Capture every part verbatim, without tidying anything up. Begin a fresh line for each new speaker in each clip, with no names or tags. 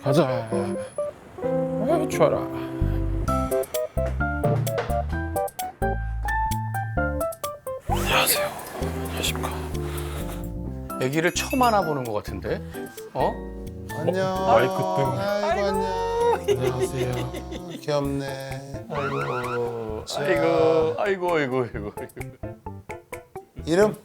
가자. 아, 추워라. 안녕하세요. 안녕하십니까. 아기를 처음 안아보는 것 같은데? 어?
안녕.
마이크 때문에.
아이고 안녕.
안녕하세요.
귀엽네.
아이고,
자.
아이고, 아이고, 아이고, 아이고, 아이고.
이름?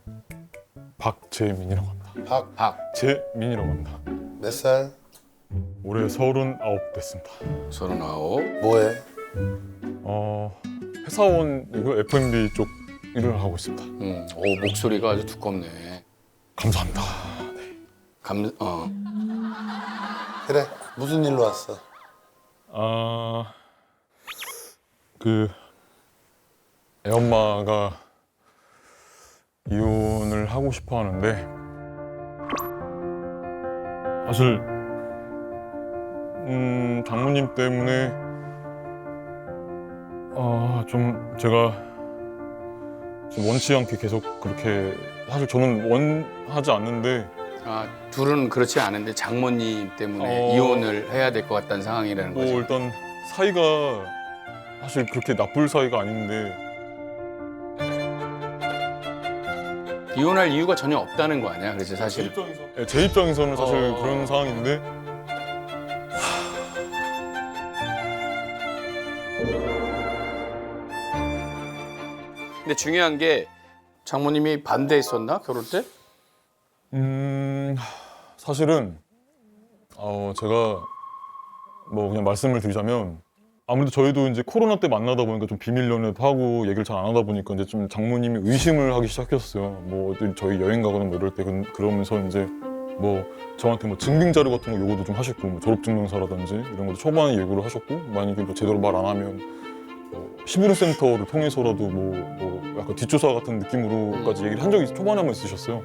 박재민이라고 합니다.
박.
박,
재민이라고 합니다.
몇 살?
올해 서른아홉 됐습니다.
서른아홉.
뭐해?
어, 회사원이고 에프앤비 쪽 일을 하고 있습니다.
음, 오, 목소리가 아주 두껍네.
감사합니다.
감, 어.
그래. 무슨 일로 왔어?
아, 그 애엄마가 이혼을 하고 싶어 하는데 사실 음, 장모님 때문에 아, 좀 제가 좀 원치 않게 계속 그렇게 사실 저는 원하지 않는데
아, 둘은 그렇지 않은데 장모님 때문에
어.
이혼을 해야 될 것 같다는 상황이라는
뭐
거죠.
일단 사이가 사실 그렇게 나쁠 사이가 아닌데
이혼할 이유가 전혀 없다는 거 아니야? 그래서 사실
입장에서 네, 제 입장에서는 사실
어.
그런 상황인데
근데 중요한 게 장모님이 반대했었나 결혼 때?
음 사실은 어 제가 뭐 그냥 말씀을 드리자면 아무래도 저희도 이제 코로나 때 만나다 보니까 좀 비밀 연애도 하고 얘기를 잘 안 하다 보니까 이제 좀 장모님이 의심을 하기 시작했어요. 뭐 어디 저희 여행 가거나 뭐 이럴 때 그- 그러면서 이제 뭐 저한테 뭐 증빙 자료 같은 거 요구도 좀 하셨고 뭐 졸업증명서라든지 이런 것도 초반에 요구를 하셨고 만약에 뭐 제대로 말 안 하면 뭐 시부름 센터를 통해서라도 뭐, 뭐 약간 뒷조사 같은 느낌으로까지 얘기를 한 적이 초반에 한번 있으셨어요.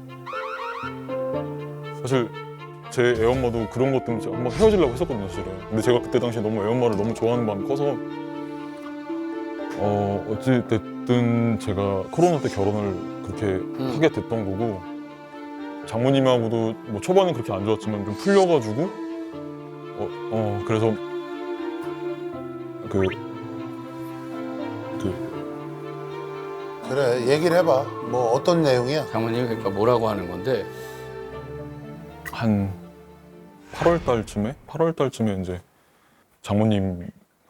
사실 제 애엄마도 그런 것 때문에 한번 헤어지려고 했었거든요, 사실은. 근데 제가 그때 당시에 너무 애엄마를 너무 좋아하는 마음이 커서 어 어찌 됐든 제가 코로나 때 결혼을 그렇게
음.
하게 됐던 거고 장모님하고도 뭐 초반엔 그렇게 안 좋았지만 좀 풀려가지고 어, 어 그래서 그 그
그래. 얘기를 해봐. 뭐 어떤 내용이야?
장모님이 그러니까 뭐라고 하는 건데
한 팔월 달쯤에 팔월 달쯤에 이제 장모님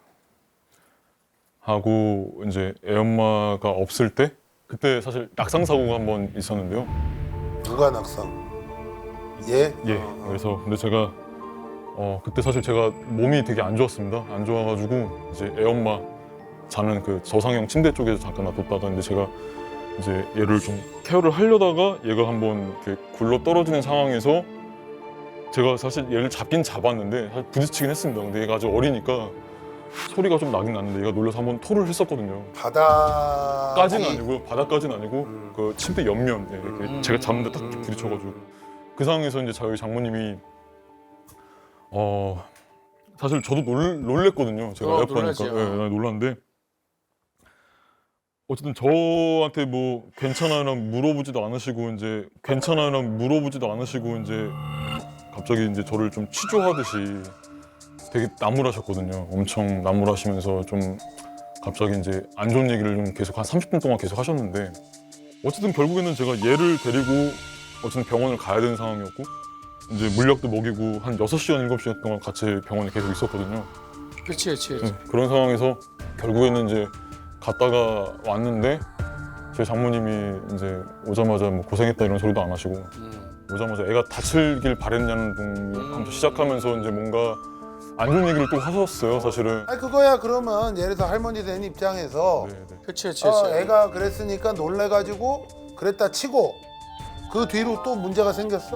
하고 이제 애엄마가 없을 때 그때 사실 낙상 사고가 한 번 있었는데요.
누가 낙상? 얘?
예.
어,
그래서 근데 제가 어 그때 사실 제가 몸이 되게 안 좋았습니다. 안 좋아가지고 이제 애엄마 자는 그 저상형 침대 쪽에서 잠깐 놔뒀다가 근데 제가 이제 얘를 좀 케어를 하려다가 얘가 한번 이렇게 굴러 떨어지는 상황에서 제가 사실 얘를 잡긴 잡았는데 사실 부딪히긴 했습니다. 근데 얘가 아직 어리니까 소리가 좀 나긴 났는데 얘가 놀라서 한번 토를 했었거든요.
바다.
까지는 아니고 바닥까지는 아니고
음.
그 침대 옆면 예, 이렇게
음.
제가 잡는데 딱
음.
부딪혀가지고 그 상황에서 이제 저희 장모님이 어 사실 저도 놀, 놀랬거든요. 제가
어,
에어컨이니까
놀라지, 어.
예, 나 놀랐는데 어쨌든 저한테 뭐 괜찮아요랑 물어보지도 않으시고 이제 괜찮아요랑 물어보지도 않으시고 이제 갑자기 이제 저를 좀 취조하듯이 되게 나무라셨거든요. 엄청 나무라시면서 좀 갑자기 이제 안 좋은 얘기를 좀 계속 한 삼십 분 동안 계속 하셨는데 어쨌든 결국에는 제가 얘를 데리고 어쨌든 병원을 가야 되는 상황이었고 이제 물약도 먹이고 한 여섯 시간, 일곱 시간 동안 같이 병원에 계속 있었거든요.
그렇지 그렇지 그렇지.
네, 그런 상황에서 결국에는 이제 갔다가 왔는데 제 장모님이 이제 오자마자 뭐 고생했다 이런 소리도 안 하시고
음.
오자마자 애가 다치길 바랬냐는 둥 하면서 시작하면서 이제 뭔가 안 좋은 얘기를 또 하셨어요, 사실은.
아니 그거야 그러면 예를 들어 할머니 된 입장에서
네, 네.
그렇지 그렇지
어,
그렇지.
애가 그랬으니까 놀래가지고 그랬다 치고 그 뒤로 또 문제가 생겼어?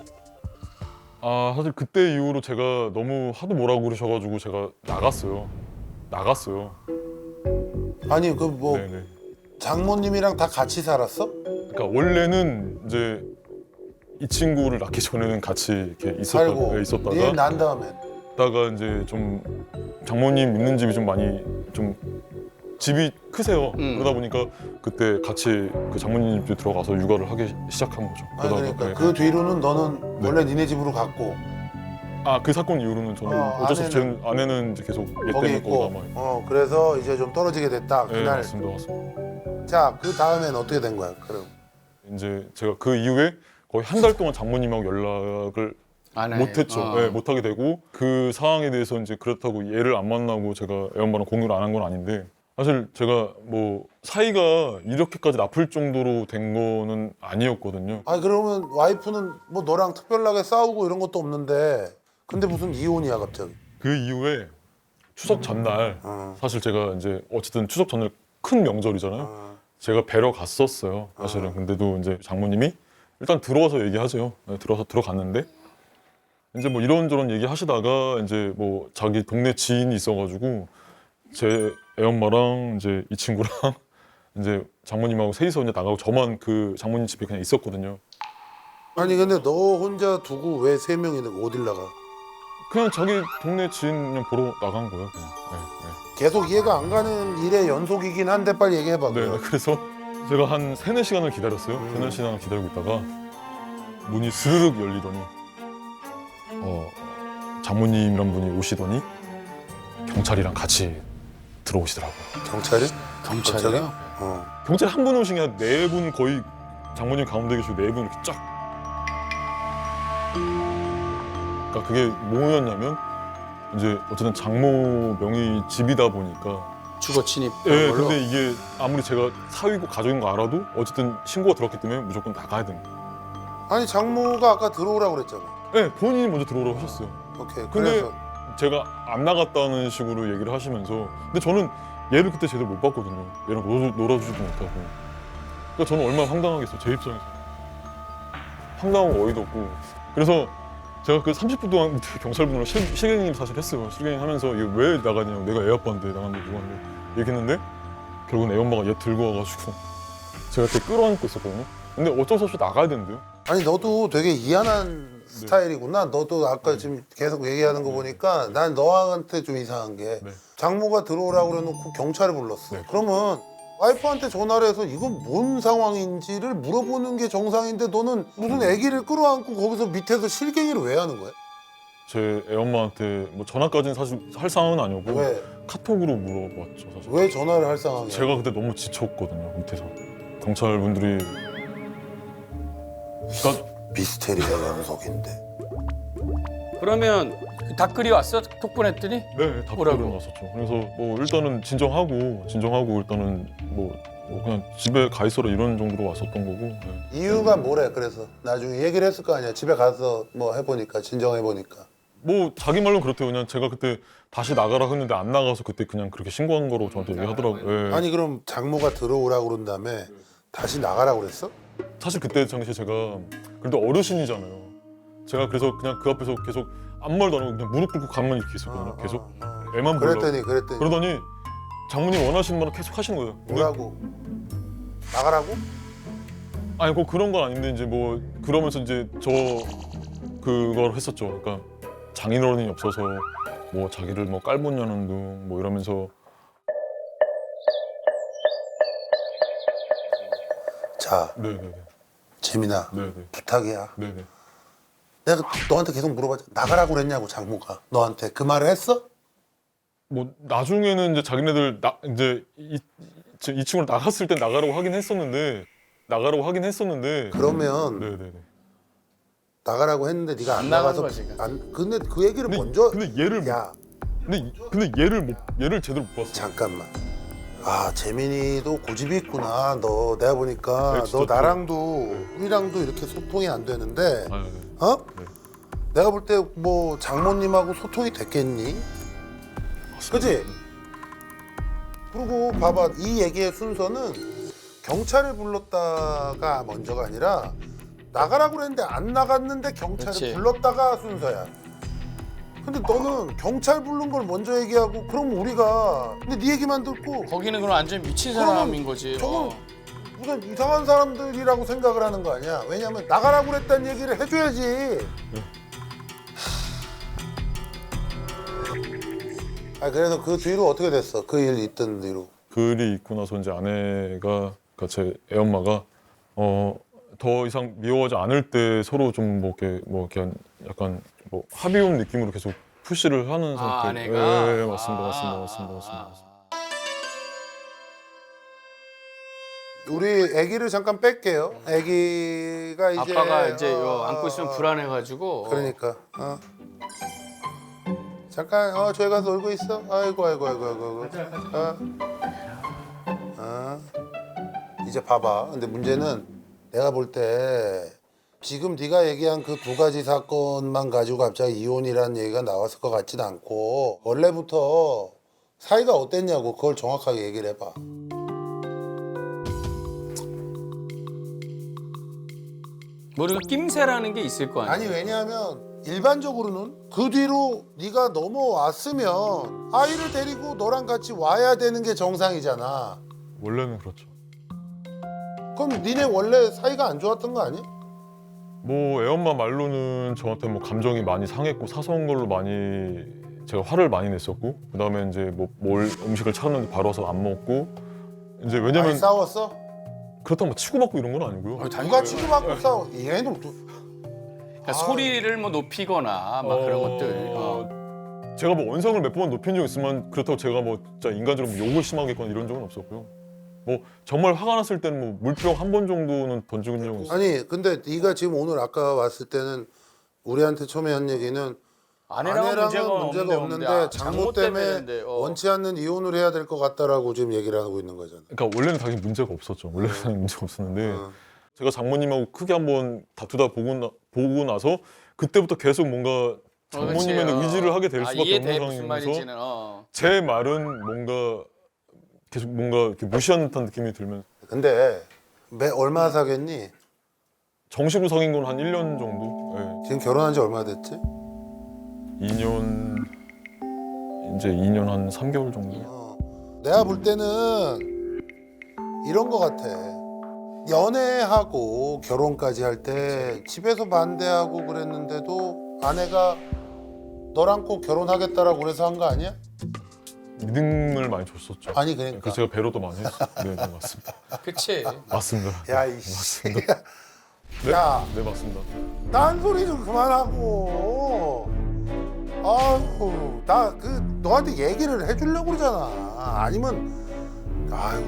아 사실 그때 이후로 제가 너무 하도 뭐라고 그러셔가지고 제가 나갔어요. 나갔어요.
아니 그 뭐
네네.
장모님이랑 다 같이 살았어?
그러니까 원래는 이제 이 친구를 낳기 전에는 같이 이렇게 있었다,
살고
네, 있었다가
얘 난 다음에
있다가 이제 좀 장모님 있는 집이 좀 많이 좀 집이 크세요.
음.
그러다 보니까 그때 같이 그 장모님 집 들어가서 육아를 하기 시작한 거죠.
아니
그러다가
그러니까
네.
그 뒤로는 너는
네.
원래 니네 집으로 갔고
아 그 사건 이후로는 저는
어,
어쩔 수 없이
아내는-
제 아내는 이제 계속 얘
거기
때문에
있고.
거기다 막.
어 그래서 이제 좀 떨어지게 됐다
네,
그날.
맞습니다, 맞습니다.
자 그 다음엔 어떻게 된 거야? 그럼
이제 제가 그 이후에 거의 한 달 동안 장모님하고 연락을
안 해.
못했죠.
어.
네, 못하게 되고 그 상황에 대해서 이제 그렇다고 얘를 안 만나고 제가 애엄마랑 공유를 안 한 건 아닌데 사실 제가 뭐 사이가 이렇게까지 나쁠 정도로 된 거는 아니었거든요.
아 그러면 와이프는 뭐 너랑 특별하게 싸우고 이런 것도 없는데 근데 무슨 이혼이야 갑자기?
그 이후에 추석 전날
어.
사실 제가 이제 어쨌든 추석 전날 큰 명절이잖아요.
어.
제가 뵈러 갔었어요. 사실은. 근데도 이제 장모님이 일단 들어와서 얘기하세요. 네, 들어와서 들어갔는데 이제 뭐 이런저런 얘기하시다가 이제 뭐 자기 동네 지인이 있어가지고 제 애엄마랑 이제 이 친구랑 이제 장모님하고 셋이서 이제 나가고 저만 그 장모님 집에 그냥 있었거든요.
아니 근데 너 혼자 두고 왜 세 명이 어딜 나가?
그냥 자기 동네 지인 그냥 보러 나간 거예요. 그냥. 네,
계속 이해가 안 가는 일의 연속이긴 한데 빨리 얘기해봐.
네. 네,
그럼.
그래서 제가 한 세네 시간을 기다렸어요.
음.
세네 시간을 기다리고 있다가 문이 스르륵 열리더니 어, 장모님이란 분이 오시더니 경찰이랑 같이 들어오시더라고요.
경찰이?
경찰이요?
어.
경찰 한 분 오신 게 한 네 분 거의 장모님 가운데 계시고 네 분 이렇게 쫙. 그러니까 그게 뭐였냐면 이제 어쨌든 장모 명의 집이다 보니까
주거 침입.
예,
걸로?
근데 이게 아무리 제가 사위고 가족인 거 알아도 어쨌든 신고가 들었기 때문에 무조건 나가야 됩니다.
아니 장모가 아까 들어오라고 그랬잖아.
네, 본인이 먼저 들어오라고 하셨어요.
오케이.
근데
그래서
제가 안 나갔다는 식으로 얘기를 하시면서 근데 저는 얘를 그때 제대로 못 봤거든요. 얘랑 놀아, 놀아주지도 못하고. 그러니까 저는 얼마나 황당하겠어요. 제 입장에서. 황당하고 어이도 없고. 그래서 제가 그 삼십 분 동안 경찰분으로 실갱이 사실 했어요. 실갱이 하면서 이게 왜 나가냐고 내가 애 아빠인데 나갔는데 누구한테 얘기했는데 결국은 애 엄마가 얘 들고 와가지고 제가 그때 끌어안고 있었거든요. 근데 어쩔 수 없이 나가야 된대요.
아니 너도 되게 이한한 스타일이구나. 너도 아까 지금 계속 얘기하는 거 보니까 난 너한테 좀 이상한 게
네.
장모가 들어오라고 그래놓고 경찰을 불렀어.
네.
그러면 와이프한테 전화를 해서 이건 뭔 상황인지를 물어보는 게 정상인데 너는 무슨 아기를 끌어안고 거기서 밑에서 실갱이를 왜 하는 거야?
제 애엄마한테 뭐 전화까지는 사실 할 상황은 아니었고
왜?
카톡으로 물어봤죠 사실.
왜 전화를 할 상황이야?
제가 그때 너무 지쳤거든요 밑에서 경찰분들이. 그러니까
미스테리가 연속인데.
그러면 그 닭글이 왔어? 톡보냈더니?
네, 다
뭐라고?
보러 갔었죠. 그래서 뭐 일단은 진정하고 진정하고 일단은 뭐, 뭐 그냥 집에 가 있어라 이런 정도로 왔었던 거고. 네.
이유가 뭐래? 그래서 나중에 얘기를 했을 거 아니야. 집에 가서 뭐 해보니까 진정해보니까.
뭐 자기 말로는 그렇대요. 그냥 제가 그때 다시 나가라 했는데 안 나가서 그때 그냥 그렇게 신고한 거로 저한테 얘기하더라고요. 예.
아니 그럼 장모가 들어오라고 그런 다음에 다시 나가라고 그랬어?
사실 그때 당시에 제가 그래도 어르신이잖아요. 제가 그래서 그냥 그 앞에서 계속 아무 말도 안 하고 그냥 무릎 꿇고 가만히 이렇게 있었거든요. 계속
어, 어.
애만 보려고.
그랬더니 그랬더니
그러더니 장모님 원하시는 말을 계속 하시는 거예요. 근데
뭐라고? 나가라고?
아니 뭐 그런 건 아닌데 이제 뭐 그러면서 이제 저 그걸 했었죠. 그러니까 장인어른이 없어서 뭐 자기를 뭐 깔보냐는 둥 뭐 이러면서.
자
네네네.
재민아
네네.
부탁이야.
네네.
내가 너한테 계속 물어봤잖아. 나가라고 그랬냐고 장모가 너한테 그 말을 했어?
뭐 나중에는 이제 자기네들 나 이제 이, 이, 이 친구를 나갔을 때 나가라고 하긴 했었는데 나가라고 하긴 했었는데.
그러면
네네네.
나가라고 했는데 네가 안,
안 나간
나가서
거지, 그러니까.
안 근데 그 얘기를
근데,
먼저
근데 얘를
야
근데 이- 근데 얘를 못 얘를 제대로 못 봤어.
잠깐만. 아 재민이도 고집이 있구나. 너 내가 보니까
네, 진짜
너
그-
나랑도 우리랑도 이렇게 소통이 안 되는데
아, 네.
어?
네.
내가 볼 때 뭐 장모님하고 소통이 됐겠니? 그지? 그리고 봐봐 이 얘기의 순서는 경찰을 불렀다가 먼저가 아니라 나가라고 그랬는데 안 나갔는데 경찰을
그치.
불렀다가 순서야. 근데 너는 경찰 부른 걸 먼저 얘기하고 그럼 우리가 근데 네 얘기만 듣고
거기는 그럼 완전 미친
그러면
사람인 거지.
저건
어.
무슨 이상한 사람들이라고 생각을 하는 거 아니야? 왜냐면 나가라고 그랬다는 얘기를 해줘야지. 아 그래서 그 뒤로 어떻게 됐어? 그 일 있던 뒤로.
글이 있고 나서 이제 아내가 그러니까 제 애엄마가 어 더 이상 미워하지 않을 때 서로 좀 뭐 이렇게 뭐 이렇게 약간 뭐 합의혼 느낌으로 계속 푸시를 하는
아,
상태.
아내가?
네, 맞습니다,
아,
맞습니다, 맞습니다, 맞습니다.
아,
맞습니다.
우리 아기를 잠깐 뺄게요. 아기가 이제
아빠가 이제
어,
요 안고 있으면
어,
불안해가지고.
그러니까 어. 잠깐 어 저기 가서 놀고 있어. 아이고 아이고 아이고 아이고. 어. 어. 이제 봐봐. 근데 문제는 내가 볼 때 지금 네가 얘기한 그 두 가지 사건만 가지고 갑자기 이혼이라는 얘기가 나왔을 것 같진 않고 원래부터 사이가 어땠냐고 그걸 정확하게 얘기를 해봐.
뭐 이거 낌새라는 게 있을 거 아니야.
아니 왜냐하면 일반적으로는 그 뒤로 네가 넘어왔으면 아이를 데리고 너랑 같이 와야 되는 게 정상이잖아.
원래는 그렇죠.
그럼 니네 원래 사이가 안 좋았던 거 아니야?
뭐 애엄마 말로는 저한테 뭐 감정이 많이 상했고 사소한 걸로 많이 제가 화를 많이 냈었고 그다음에 이제 뭐 뭘 음식을 차렸는데 바로 와서 안 먹고 이제
많이
왜냐면
싸웠어?
그렇다고 뭐 치고받고 이런 건 아니고요.
누가 치고받고 싸워? 얘는 또
그러니까 소리를 뭐 높이거나 막 그런 것들. 어.
제가 뭐 언성을 몇 번 높인 적 있으면 그렇다고 제가 뭐 진짜 인간적으로 뭐 욕을 심하게 했거나 이런 적은 없었고요. 뭐 정말 화가 났을 때는 뭐 물병 한 번 정도는 던진 적은 있어요.
아니 근데 네가 지금 오늘 아까 왔을 때는 우리한테 처음에 한 얘기는
아내랑은,
아내랑은
문제가,
문제가
없는데,
없는데
아,
장모 때문에
때문인데, 어.
원치 않는 이혼을 해야 될 것 같다라고 지금 얘기를 하고 있는 거잖아.
그러니까 원래는 당연히 문제가 없었죠. 원래는 당연히 문제가 없었는데
어.
제가 장모님하고 크게 한번 다투다 보고, 나, 보고 나서 그때부터 계속 뭔가 장모님의
그렇지, 어.
의지를 하게 될
아,
수밖에
이해돼,
없는
무슨
상황이면서
말인지는. 어.
제 말은 뭔가 계속 뭔가 이렇게 무시하는 듯한 느낌이 들면
근데 매 얼마 사겠니?
정식으로 사귄 건 한 일 년 정도? 네.
지금 결혼한 지 얼마 됐지?
이 년 이제 이 년 한 삼 개월 정도.
어. 내가 볼 때는 이런 거 같아. 연애하고 결혼까지 할 때 집에서 반대하고 그랬는데도 아내가 너랑 꼭 결혼하겠다라고 그래서 한 거 아니야?
믿음을 많이 줬었죠.
아니 그러니까.
그래서 제가 배려도 많이 했어요. 네, 네 맞습니다.
그치.
맞습니다.
야 이씨.
네?
야,
네 맞습니다.
딴 소리 좀 그만하고. 아유, 나 그 너한테 얘기를 해주려고 그러잖아. 아니면, 아유.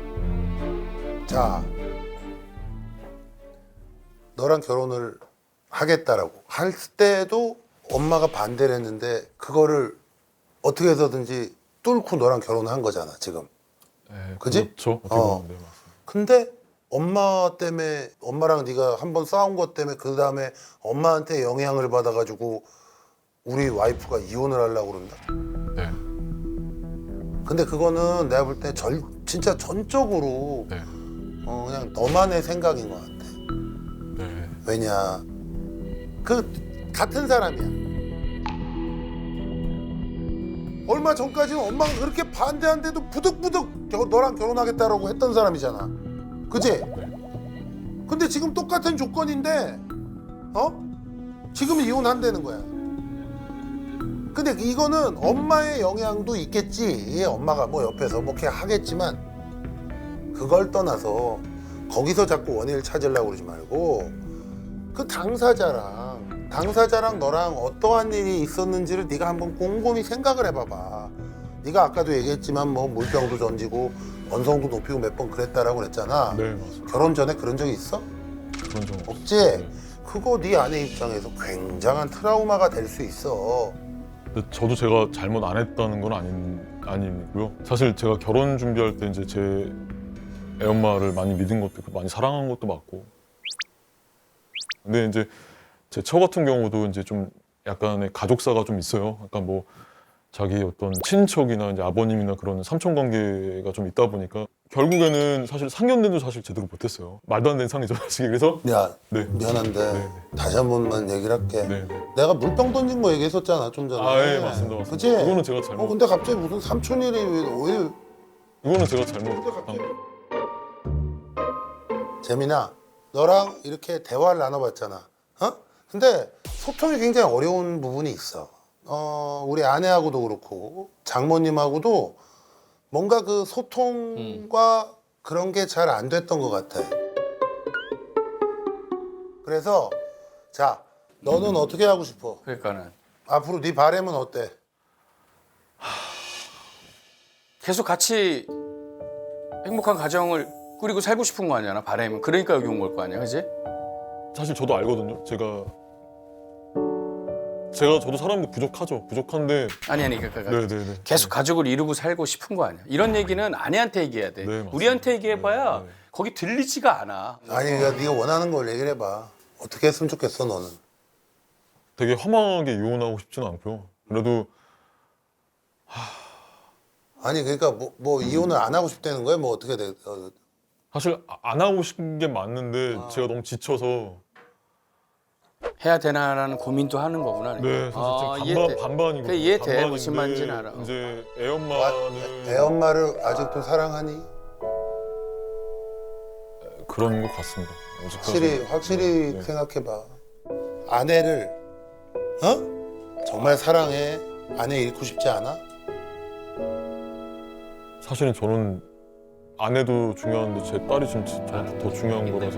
자, 너랑 결혼을 하겠다라고 할 때도 엄마가 반대를 했는데 그거를 어떻게 해서든지 뚫고 너랑 결혼한 거잖아 지금.
네,
그지?
그렇죠. 어떻게
어.
보면 네 맞습니다.
근데 엄마 때문에 엄마랑 네가 한번 싸운 것 때문에 그 다음에 엄마한테 영향을 받아가지고 우리 와이프가 이혼을 하려고 그런다.
네.
근데 그거는 내가 볼 때 절 진짜 전적으로
네.
어, 그냥 너만의 생각인 것 같아.
네.
왜냐 그 같은 사람이야. 얼마 전까지는 엄마가 그렇게 반대한데도 부득부득 겨- 너랑 결혼하겠다라고 했던 사람이잖아. 그지?
네.
근데 지금 똑같은 조건인데 어? 지금 이혼한다는 거야. 근데 이거는 엄마의 영향도 있겠지. 엄마가 뭐 옆에서 뭐 이렇게 하겠지만 그걸 떠나서 거기서 자꾸 원인을 찾으려고 그러지 말고 그 당사자랑 당사자랑 너랑 어떠한 일이 있었는지를 네가 한번 곰곰이 생각을 해봐봐. 네가 아까도 얘기했지만 뭐 물병도 던지고 언성도 높이고 몇 번 그랬다라고 그랬잖아.
네 맞습니다.
결혼 전에 그런 적이 있어?
그런 적 없어요.
없지?
네.
그거 네 아내 입장에서 굉장한 트라우마가 될 수 있어.
근데 저도 제가 잘못 안 했다는 건 아닌 아니고요. 사실 제가 결혼 준비할 때 이제 제 애엄마를 많이 믿은 것도 있고 많이 사랑한 것도 맞고. 근데 이제 제 처 같은 경우도 이제 좀 약간의 가족사가 좀 있어요. 약간 뭐 자기 어떤 친척이나 이제 아버님이나 그런 삼촌 관계가 좀 있다 보니까 결국에는 사실 상견례도 사실 제대로 못했어요. 말도 안 되는 상이죠, 사실. 그래서
야
네.
미안한데
네,
다시 한 번만 얘기를 할게.
네, 네.
내가 물병 던진 거 얘기했었잖아 좀 전에.
아, 예, 맞습니다, 맞습니다.
그치?
그거는 제가 잘못.
어 근데 갑자기 무슨 삼촌이래 왜, 왜
이거는 제가 잘못한
갑자기-
거.
재민아 너랑 이렇게 대화를 나눠봤잖아. 어? 근데 소통이 굉장히 어려운 부분이 있어. 어 우리 아내하고도 그렇고 장모님하고도 뭔가 그 소통과 그런 게 잘 안 됐던 것 같아. 그래서 자 너는 어떻게 하고 싶어?
그러니까는
앞으로 네 바람은 어때?
계속 같이 행복한 가정을 꾸리고 살고 싶은 거 아니야, 나 바람은. 그러니까 여기 온 걸 거 아니야, 그지?
사실 저도 알거든요. 제가 제가 저도 사람도 부족하죠. 부족한데
아니 아니 그러니까
네네네.
계속 가족을 이루고 살고 싶은 거 아니야. 이런 얘기는 아내한테 얘기해야 돼.
네, 맞습니다.
우리한테 얘기해봐야
네, 네.
거기 들리지가 않아.
아니 그러니까 네가 원하는 걸 얘기를 해봐. 어떻게 했으면 좋겠어 너는?
되게 험하게 이혼하고 싶지는 않고요. 그래도
아니 그러니까 뭐, 뭐 이혼을 안 하고 싶다는 거야? 뭐 어떻게 돼? 어,
사실 안 하고 싶은 게 맞는데 제가 너무 지쳐서
해야 되나라는 고민도 하는 거구나.
네, 사실
아,
지금
이해돼.
반반 반반이거든요.
그래, 이해돼.
반반인데
무슨 말인지는 알아.
이제 애
아,
엄마는
애 엄마를 아직도 사랑하니?
그런 것 같습니다. 아직까지.
확실히 확실히
네.
생각해봐. 아내를 어? 정말 사랑해. 아내 잃고 싶지 않아?
사실은 저는 아내도 중요한데 제 딸이 지금 저한테 더 중요한 거라서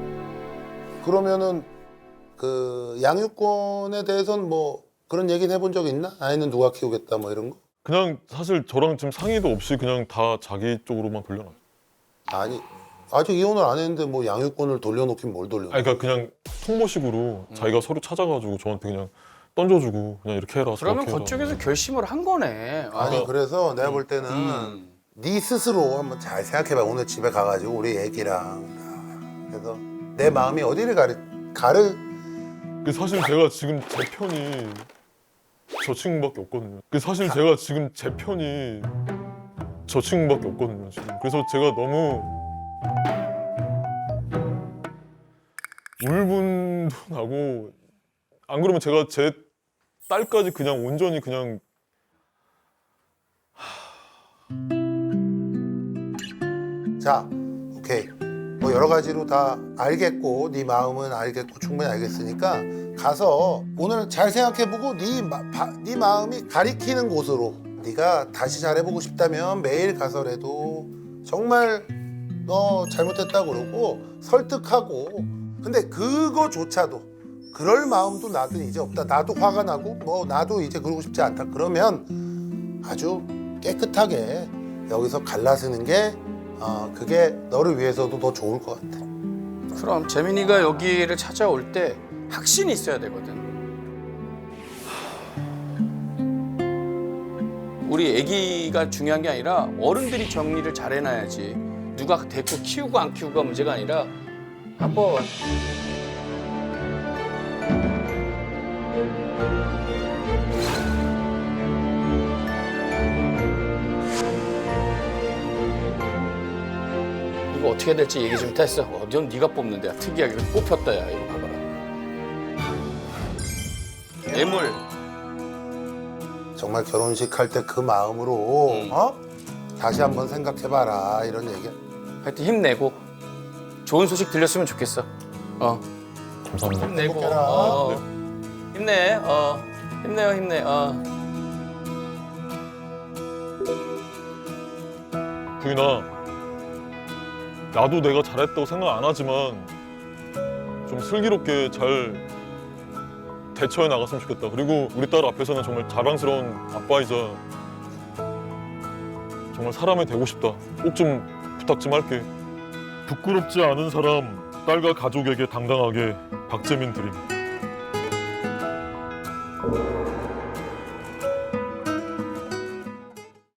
그러면은 그 양육권에 대해서는 뭐 그런 얘기는 해본 적 있나? 아이는 누가 키우겠다 뭐 이런 거?
그냥 사실 저랑 지금 상의도 없이 그냥 다 자기 쪽으로만 돌려놔요.
아니 아직 이혼을 안 했는데 뭐 양육권을 돌려놓긴 뭘 돌려?
아니, 그러니까 그냥 통보식으로
음.
자기가 서류 찾아가지고 저한테 그냥 던져주고 그냥 이렇게 해라.
그러면
저렇게 해라.
그쪽에서 결심을 한 거네. 아,
아니 그래서 내가 볼 때는
음.
네 스스로 한번 잘 생각해봐. 오늘 집에 가가지고 우리 애기랑 그래서 내 마음이 어디를 가르 가르
그 사실 제가 지금 제 편이 저 친구밖에 없거든요. 그 사실 제가 지금 제 편이 저 친구밖에 없거든요. 지금. 그래서 제가 너무 울분도 나고 안 그러면 제가 제 딸까지 그냥 온전히 그냥
자, 오케이. 뭐 여러 가지로 다 알겠고 네 마음은 알겠고 충분히 알겠으니까 가서 오늘 잘 생각해보고 네, 마, 바, 네 마음이 가리키는 곳으로 네가 다시 잘해보고 싶다면 매일 가서라도 정말 너 잘못했다고 그러고 설득하고 근데 그거조차도 그럴 마음도 나도 이제 없다. 나도 화가 나고 뭐 나도 이제 그러고 싶지 않다. 그러면 아주 깨끗하게 여기서 갈라서는 게 어, 그게 너를 위해서도 더 좋을 것 같아.
그럼 재민이가 여기를 찾아올 때 확신이 있어야 되거든. 우리 아기가 중요한 게 아니라 어른들이 정리를 잘 해놔야지. 누가 데리고 키우고 안 키우고가 문제가 아니라 한번 이거 어떻게 될지 얘기 좀 했어. 어, 넌 네가 뽑는데 야, 특이하게 뽑혔다 야 이거 봐봐라. 애물.
정말 결혼식 할 때 그 마음으로
음.
어? 다시 한번 생각해봐라 이런 얘기.
하여튼 힘내고 좋은 소식 들렸으면 좋겠어. 어
감사합니다.
힘내고
행복해라.
어, 힘내. 어 힘내요 힘내. 어.
부인아, 나도 내가 잘했다고 생각 안 하지만 좀 슬기롭게 잘 대처해 나갔으면 좋겠다. 그리고 우리 딸 앞에서는 정말 자랑스러운 아빠이자 정말 사람이 되고 싶다. 꼭 좀 부탁 좀 할게. 부끄럽지 않은 사람, 딸과 가족에게 당당하게 박재민 드림.